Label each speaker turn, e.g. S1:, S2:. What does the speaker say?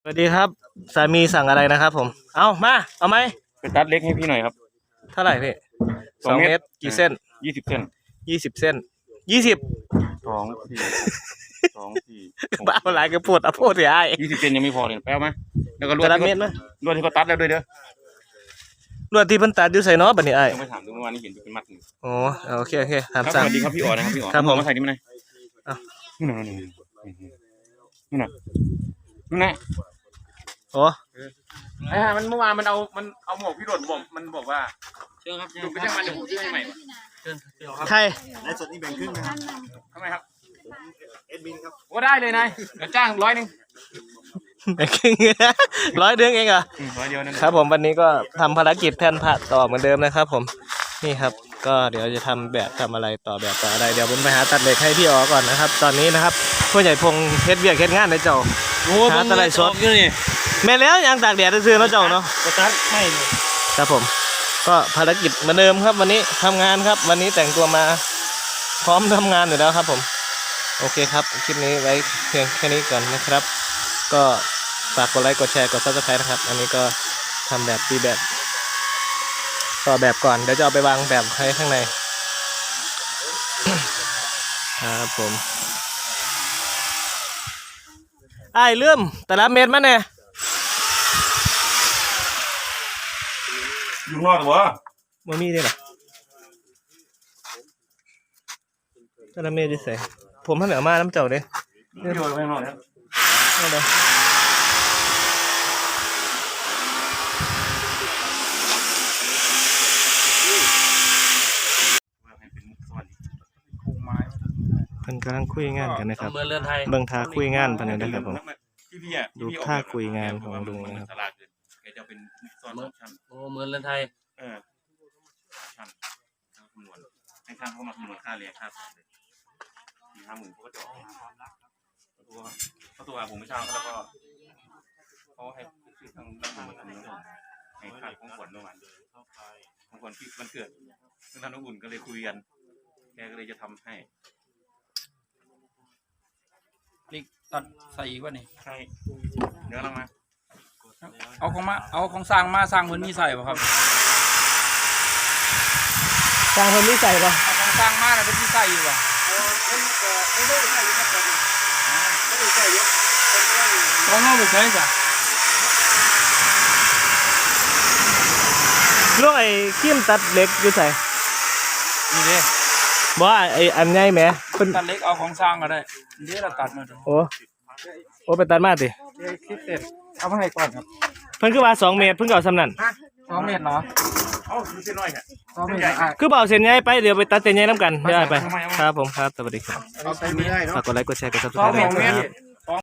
S1: วัสดีครับสามีสั่งอะไรนะครับผมเอาไหม
S2: ไปตัดเล็กให้พี่หน่อยครับ
S1: เท่าไหร่พี่2 เมตรกี่เส้น
S2: 20 เส้น
S1: 20
S2: สองสี่สองสี่
S1: บ้าอะไรก็ปวดเอาพูดสิไอ้
S2: 20 เส้นยังไม่พอเลยแป๊บไหมแล้วก็ลวด
S1: แต่ละเม็ดไหม
S2: ลวดที่เขาตัดแล้วด้วยเด้อ
S1: ลวดที่เพิ่นตัดอยู่ใส่เนาะบัดนี้ไอ้
S2: ยังไม่ถามดูเมื่อวานนี้เห็นเป็นมัดหนึ่ง
S1: โอ้โอเคถาม
S2: ครับส
S1: สั่ง
S2: วัสดีครับพี่อ๋อนะครับพี่อ๋อ
S1: ครับผม
S2: มาใส่นี่มาหน่อยนู่นน่ะ
S1: โอ้
S2: มันเมื่อวานมันเอาหมวกพี่โดดบอกมันบอกว่าเชิญครับดูไปจ้างมันเดี๋ยวผมซื้อให้ใหม่
S1: ใคร
S3: ไลฟ์สดนี่แบ่งครึ่งนะครับ
S2: ทำไมครับ
S3: เอ็ดมินครับ
S2: โอ้ได้เลยนายเดี๋ยวจ้าง100 นึง
S1: 100 เดือนเองเหรอ
S2: 100 เดียวนั่น
S1: ครับผมวันนี้ก็ทำภารกิจแผ่นผ่าต่อเหมือนเดิมนะครับผมนี่ครับก็เดี๋ยวจะทำแบบทำอะไรต่อแบบต่ออะไรเดี๋ยวผมไปหาตัดเหล็กให้พี่อ๋อก่อนนะครับตอนนี้นะครับผู้ใหญ่พงเฮ็ดเวียกเฮ็ดงานในเจ้าหาตะไลสด
S2: อยู่นี่
S1: แม่แล้วยังตากแดดซื้อเนาะเจ้าเนาะ
S2: ก็ตัดไม่เลย
S1: ครับผมก็ภารกิจเหมือนเดิมครับวันนี้ทำงานครับวันนี้แต่งตัวมาพร้อมทำงานอยู่แล้วครับผมโอเคครับคลิปนี้ไว้เพียงแค่นี้ก่อนนะครับก็ฝากกดไลค์กดแชร์กด Subscribe นะครับอันนี้ก็ทำแบบตีแบบต่อแบบก่อนเดี๋ยวจะเอาไปวางแบบให้ข้างในครับผมไอ้เลื่อมแต่ละเม็ดมาเนี่ย
S2: อยู่นอกเหรอ
S1: บ่มีได้หรอแต่ละเม็ดดิใส่ผมท่านเหนือมาน้ำเจ้าเด้
S2: อยู่ข้างนอกครับ
S1: เอาเลยเพิ่นกำลังคุยงานกันนะครับเบิ่งท่าคุยงานเพิ่นนะครับผมดูท่าคุยงานของลุงนะครับ
S2: แกจะเป็นซ้อนชั้น
S4: โอ้เมืองเรือนไทย
S2: ชั้นคำนวณให้ช่างเขามาคำนวณค่าเรียนค่าสอนเลย40,000เขาก็จะออกเขาตัวผมไม่ช่างแล้วก็เขาให้ซื้อทางด้านบนคำนวณให้ค่าของขวัญประมาณของขวัญที่มันเกิดซึ่งท่านอุ่นก็เลยคุยกันแกก็เลยจะทำให้
S4: ลิกตัดใส่อีกวะนี่
S2: ใช่เดี๋ยวเรามา
S4: เอาของสร้างมาสร้างเพิ่นมีใส่ป่ะครับ
S1: สร้างเพิ่นมีใส่ป่ะ
S4: เอาของสร้างมาแล้วเพิ่นมีใส่อยู่ป่ะของเอาไปใส่จ้ะ
S1: ลูกไอ้ขี้มตัดเหล็กอยู่ใส่
S4: นี่เด้
S1: บ่ไอ้อันใหญ่แหมเพิ่น
S4: ตัดเล็กเอาของสร้างก็ได้เดี๋ยวเราตัดมาดู
S1: โอ้ไปตัดมาติ
S4: คลิปเสร็จเอามาให้ก่อนครับ
S1: เพิ่นคือว่า2 เมตรเพิ่นก็เอาสำนั่น
S4: 2 เมตรเหรอ
S2: คือเส้นน้อยค่ะ
S4: 2 เมตร
S1: คือบ่เอาเส้นใหญ่ไปเดี๋ยวไปตัดเส้นใหญ่นำกันเดี๋ยวไปครับผมครับสวัสดีครับ
S3: เอาใส่ไม่ได้เนาะ
S1: ฝากกดไลค์กดแชร์กด Subscribe ด้วยครับ